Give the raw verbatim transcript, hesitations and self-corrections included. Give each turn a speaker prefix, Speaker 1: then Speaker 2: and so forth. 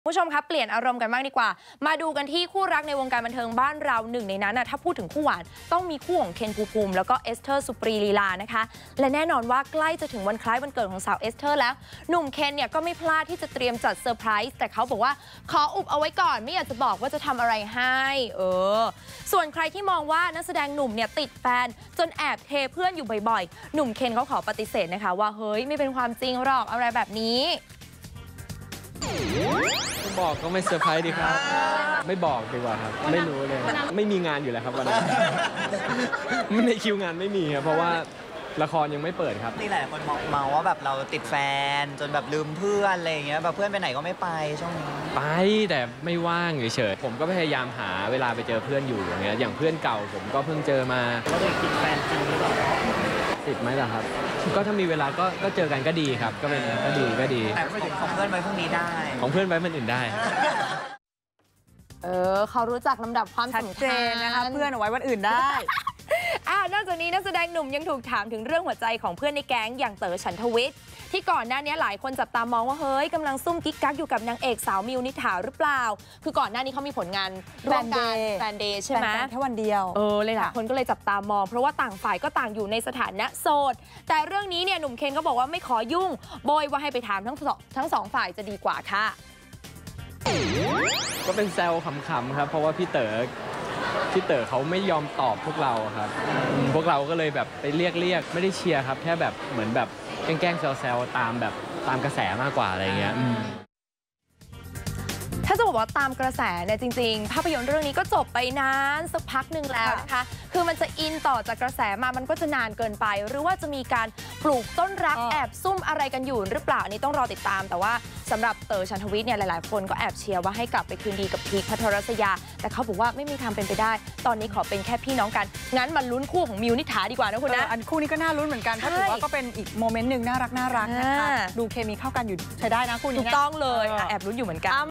Speaker 1: ผู้ชมครับเปลี่ยนอารมณ์กันบ้างดีกว่ามาดูกันที่คู่รักในวงการบันเทิงบ้านเราหนึ่งในนั้นนะถ้าพูดถึงคู่หวานต้องมีคู่ของเคนภูมิแล้วก็เอสเธอร์สุปรีลีลานะคะและแน่นอนว่าใกล้จะถึงวันคล้ายวันเกิดของสาวเอสเธอร์แล้วหนุ่มเคนเนี่ยก็ไม่พลาดที่จะเตรียมจัดเซอร์ไพรส์แต่เขาบอกว่าขออุบเอาไว้ก่อนไม่อยากจะบอกว่าจะทำอะไรให้เออส่วนใครที่มองว่านักแสดงหนุ่มเนี่ยติดแฟนจนแอบเทเพื่อนอยู่บ่อยๆหนุ่มเคนเขาขอปฏิเสธนะคะว่าเฮ้ยไม่เป็นความจริงหรอกอะไรแบบนี้
Speaker 2: ไม่บอกก็ไม่เซอร์ไพรส์ดีครับไม่บอกดีกว่าครับไม่รู้เลยไม่มีงานอยู่แล้วครับวันนั้นในคิวงานไม่มีครับเพราะว่าละครยังไม่เปิดครับ
Speaker 3: นี่หลายคนเมาว่าแบบเราติดแฟนจนแบบลืมเพื่อนอะไรอย่างเงี้ยแบบเพื่อนไปไหนก็ไม่ไปช่วงนี้
Speaker 2: ไปแต่ไม่ว่างเฉยๆผมก็พยายามหาเวลาไปเจอเพื่อนอยู่อย่างเงี้ยอย่างเพื่อนเก่าผมก็เพิ่งเจอมา
Speaker 3: เราเลยติดแฟนจริงหรือเปล่า
Speaker 2: ติดไหมล่ะครับก็ถ้ามีเวลาก็ก็เจอกันก็ดีครับก็เป็นก็ดีก็ดี
Speaker 3: แต่ของเพื่อนไว้พรุ่งนี้ได้
Speaker 2: ของเพื่อนไว้มันอื่นได้
Speaker 1: เออเขารู้จักลำดับความสำคัญ
Speaker 4: นะคะเพื่อนเอาไว้วันอื่นได้
Speaker 1: อ่านอกจากนี้นักแสดงหนุ่มยังถูกถามถึงเรื่องหัวใจของเพื่อนในแก๊งอย่างเต๋อฉันทวิทย์ที่ก่อนหน้านี้หลายคนจับตามองว่าเฮ้ยกำลังซุ่มกิ๊กกักอยู่กับนางเอกสาวมิวนิษฐาหรือเปล่าคือก่อนหน้านี้เขามีผลงานร่วมกันแฟนเดย์ใช่ไหม
Speaker 4: แค่วันเดียว
Speaker 1: เออเลยหลายคนก็เลยจับตามองเพราะว่าต่างฝ่ายก็ต่างอยู่ในสถานะโสดแต่เรื่องนี้เนี่ยหนุ่มเคนก็บอกว่าไม่ขอยุ่งโบยว่าให้ไปถามทั้งสองทั้งสองฝ่ายจะดีกว่าค่ะ
Speaker 2: ก็เป็นแซวขำๆครับเพราะว่าพี่เต๋อพี่เต๋อเขาไม่ยอมตอบพวกเราครับพวกเราก็เลยแบบไปเรียกเรียกไม่ได้เชียร์ครับแค่แบบเหมือนแบบแกล้งๆแซวๆตามแบบตามกระแสมากกว่าอะไรเงี้ย
Speaker 1: ถ้าจะบอกว่าตามกระแสเนี่ยจริงๆภาพยนตร์เรื่องนี้ก็จบไปนานสักพักหนึ่งแล้วนะคะคือมันจะอินต่อจากกระแสมามันก็จะนานเกินไปหรือว่าจะมีการปลูกต้นรักแอบซุ่มอะไรกันอยู่หรือเปล่านี่ต้องรอติดตามแต่ว่าสำหรับเต๋อฉันทวิทย์เนี่ยหลายๆคนก็แอบเชียร์ว่าให้กลับไปคืนดีกับพีคพัทรศยาแต่เขาบอกว่าไม่มีทางเป็นไปได้ตอนนี้ขอเป็นแค่พี่น้องกันงั้นมาลุ้นคู่ของมิวนิษฐาดีกว่านะคุณนะ
Speaker 4: อันคู่นี้ก็น่าลุ้นเหมือนกันเพราะถือว่าก็เป็นอีกโมเมนต์หนึ่งน่ารักน่ารักนะคะดูเคมีเข้ากันอยู่ใช้ได้นะคู่นี้
Speaker 1: ถูกต้องเลยแอบลุ้นอยู่เหมือนกัน